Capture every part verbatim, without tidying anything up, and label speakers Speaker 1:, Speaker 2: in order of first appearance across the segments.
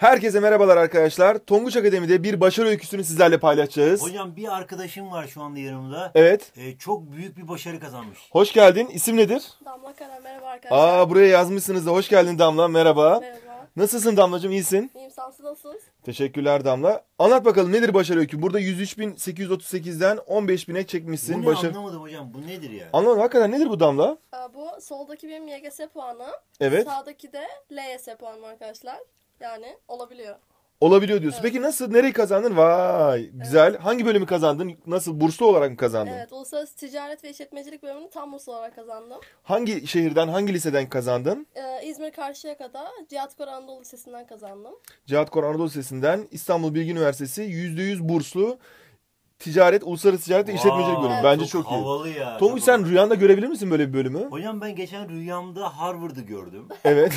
Speaker 1: Herkese merhabalar arkadaşlar. Tonguç Akademi'de bir başarı öyküsünü sizlerle paylaşacağız.
Speaker 2: Hocam bir arkadaşım var şu anda yanımda.
Speaker 1: Evet.
Speaker 2: Ee, çok büyük bir başarı kazanmış.
Speaker 1: Hoş geldin. İsim nedir?
Speaker 3: Damla Kara, merhaba arkadaşlar.
Speaker 1: Aa, buraya yazmışsınız da hoş geldin Damla. Merhaba.
Speaker 3: Merhaba.
Speaker 1: Nasılsın Damlacığım? İyisin?
Speaker 3: İyiyim, sen nasılsınız?
Speaker 1: Teşekkürler Damla. Anlat bakalım nedir başarı öykü? Burada yüz üç bin sekiz yüz otuz sekizden on beş bine çekmişsin.
Speaker 2: Bu ne
Speaker 1: Başarı...
Speaker 2: anlamadım hocam. Bu nedir ya?
Speaker 1: Anlamadım. Hakikaten nedir bu Damla?
Speaker 3: Ee, Bu soldaki benim Y G S puanı.
Speaker 1: Evet.
Speaker 3: Sağdaki de L Y S puanım arkadaşlar. Yani olabiliyor.
Speaker 1: Olabiliyor diyorsun.
Speaker 3: Evet.
Speaker 1: Peki nasıl? Nereyi kazandın? Vay. Güzel. Hangi bölümü kazandın? Nasıl? Burslu olarak mı kazandın?
Speaker 3: Evet, Uluslararası Ticaret ve İşletmecilik bölümünü tam burs olarak kazandım.
Speaker 1: Hangi şehirden, hangi liseden kazandın?
Speaker 3: Ee, İzmir Karşıyaka'da Cihat Koray Anadolu Lisesi'nden kazandım.
Speaker 1: Cihat Koray Anadolu Lisesi'nden İstanbul Bilgi Üniversitesi yüzde yüz burslu ticaret, uluslararası ticaret ve işletmecilik bölümü.
Speaker 3: Evet.
Speaker 1: Bence çok, iyi.
Speaker 2: Havalı ya.
Speaker 1: Tonguç
Speaker 2: çok
Speaker 1: sen
Speaker 2: havalı.
Speaker 1: rüyanda görebilir misin böyle bir bölümü?
Speaker 2: Hocam ben geçen rüyamda Harvard'ı gördüm.
Speaker 1: Evet.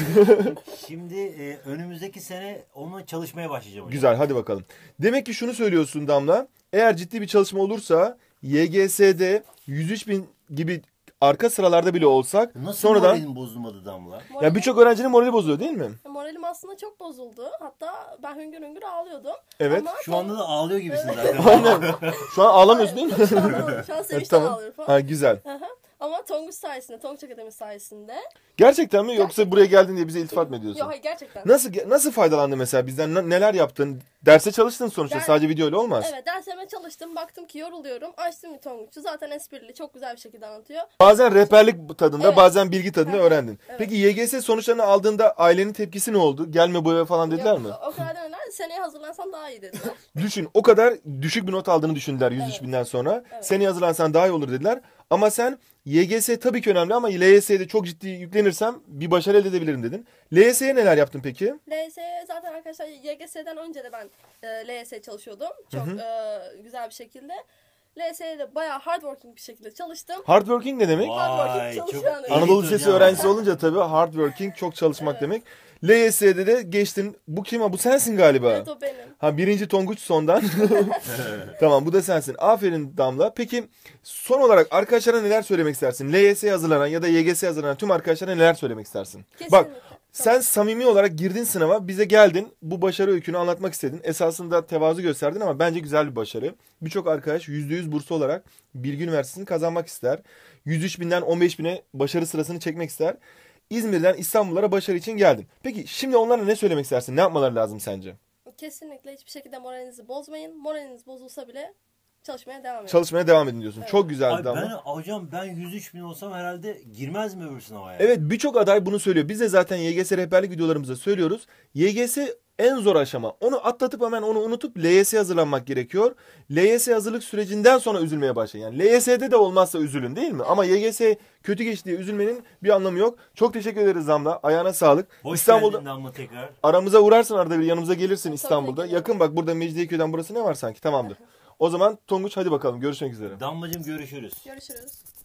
Speaker 2: Şimdi e, önümüzdeki sene onunla çalışmaya başlayacağım hocam.
Speaker 1: Güzel, hadi bakalım. Demek ki şunu söylüyorsun Damla. Eğer ciddi bir çalışma olursa Y G S'de yüz üç bin gibi arka sıralarda bile olsak
Speaker 2: Nasıl
Speaker 1: sonradan
Speaker 2: moralim bozulmadı Damla?
Speaker 1: ya
Speaker 3: Moralim,
Speaker 1: birçok öğrencinin morali bozuluyor değil mi?
Speaker 3: moralim aslında çok bozuldu. Hatta ben hüngür hüngür ağlıyordum.
Speaker 1: Evet.
Speaker 3: Ama
Speaker 2: Şu anda da ağlıyor gibisin zaten.
Speaker 1: Aynen. Şu an ağlamıyorsun değil mi?
Speaker 3: Şu an, şu an sevinçten
Speaker 1: Tamam.
Speaker 3: ağlıyorum falan.
Speaker 1: Ha, güzel.
Speaker 3: Hı hı. Ama Tonguç sayesinde, Tonguç Akademisi sayesinde.
Speaker 1: Gerçekten mi yoksa buraya geldin diye bize iltifat mı ediyorsun?
Speaker 3: Yok hayır, gerçekten.
Speaker 1: Nasıl nasıl faydalandın mesela bizden? Ne- Neler yaptın? Derse çalıştın sonuçta.
Speaker 3: Der-
Speaker 1: Sadece video ile olmaz.
Speaker 3: Evet, derslerime çalıştım. Baktım ki yoruluyorum. Açtım bir Tonguç'u. Zaten esprili, çok güzel bir şekilde anlatıyor.
Speaker 1: Bazen rehberlik tadında,
Speaker 3: Evet.
Speaker 1: bazen bilgi tadında
Speaker 3: Hı hı.
Speaker 1: öğrendin.
Speaker 3: Evet.
Speaker 1: Peki Y G S sonuçlarını aldığında ailenin tepkisi ne oldu? Gelme bu eve falan dediler
Speaker 3: Yok,
Speaker 1: mi?
Speaker 3: O kadar demediler. Seneye hazırlansan daha iyi dediler.
Speaker 1: Düşün, o kadar düşük bir not aldığını düşündüler yüz üç
Speaker 3: Evet.
Speaker 1: binden sonra.
Speaker 3: Evet.
Speaker 1: Seneye hazırlansan daha iyi olur dediler. Ama sen Y G S tabii ki önemli ama L Y S'de çok ciddi yüklenirsem bir başarı elde edebilirim dedin. L Y S'ye neler yaptın peki?
Speaker 3: L Y S'ye zaten arkadaşlar Y G S'den önce de ben e, L Y S çalışıyordum. Çok e, güzel bir şekilde. L Y S'ye de bayağı hardworking bir şekilde çalıştım.
Speaker 1: Hardworking ne demek?
Speaker 2: Vay
Speaker 3: çok
Speaker 2: çok
Speaker 3: yani.
Speaker 2: elit
Speaker 1: Anadolu Lisesi
Speaker 2: hocam.
Speaker 1: öğrencisi olunca tabii hardworking, çok çalışmak
Speaker 3: Evet.
Speaker 1: demek. L Y S'de de geçtin. Bu kim? ha? Bu sensin galiba.
Speaker 3: Evet, o benim.
Speaker 1: Ha, birinci Tonguç sondan. Tamam, bu da sensin. Aferin Damla. Peki son olarak arkadaşlara neler söylemek istersin? L Y S'ye hazırlanan ya da Y G S'ye hazırlanan tüm arkadaşlara neler söylemek istersin?
Speaker 3: Kesinlikle.
Speaker 1: Bak, sen samimi olarak girdin sınava, bize geldin, bu başarı öykünü anlatmak istedin. Esasında tevazu gösterdin ama bence güzel bir başarı. Birçok arkadaş yüzde yüz burslu olarak Bilgi Üniversitesi'ni kazanmak ister. yüz üç binden on beş bine başarı sırasını çekmek ister. İzmir'den İstanbullara başarı için geldin. Peki şimdi onlara ne söylemek istersin? Ne yapmaları lazım sence?
Speaker 3: Kesinlikle hiçbir şekilde moralinizi bozmayın. Moraliniz bozulsa bile çalışmaya devam edin.
Speaker 1: Çalışmaya devam edin diyorsun.
Speaker 3: Evet.
Speaker 1: Çok güzel
Speaker 2: Ay
Speaker 1: Damla.
Speaker 2: ben hocam ben yüz üç bin olsam herhalde girmez mi öbür sınava ya?
Speaker 1: Evet, birçok aday bunu söylüyor. Biz de zaten Y G S rehberlik videolarımızda söylüyoruz. Y G S en zor aşama. Onu atlatıp hemen onu unutup L Y S'ye hazırlanmak gerekiyor. L Y S hazırlık sürecinden sonra üzülmeye başlayın. Yani L Y S'de de olmazsa üzülün değil mi? Ama Y G S kötü geçti diye üzülmenin bir anlamı yok. Çok teşekkür ederiz Damla. Ayağına sağlık.
Speaker 2: Hoş
Speaker 1: İstanbul'da
Speaker 2: geldin Damla tekrar.
Speaker 1: aramıza uğrarsın, arada bir yanımıza gelirsin
Speaker 3: Tabii
Speaker 1: İstanbul'da.
Speaker 3: ki.
Speaker 1: Yakın bak, burada Mecidiyeköy'den burası ne var sanki? Tamamdır. O zaman Tonguç hadi bakalım, görüşmek üzere.
Speaker 2: Damlacığım görüşürüz.
Speaker 3: Görüşürüz.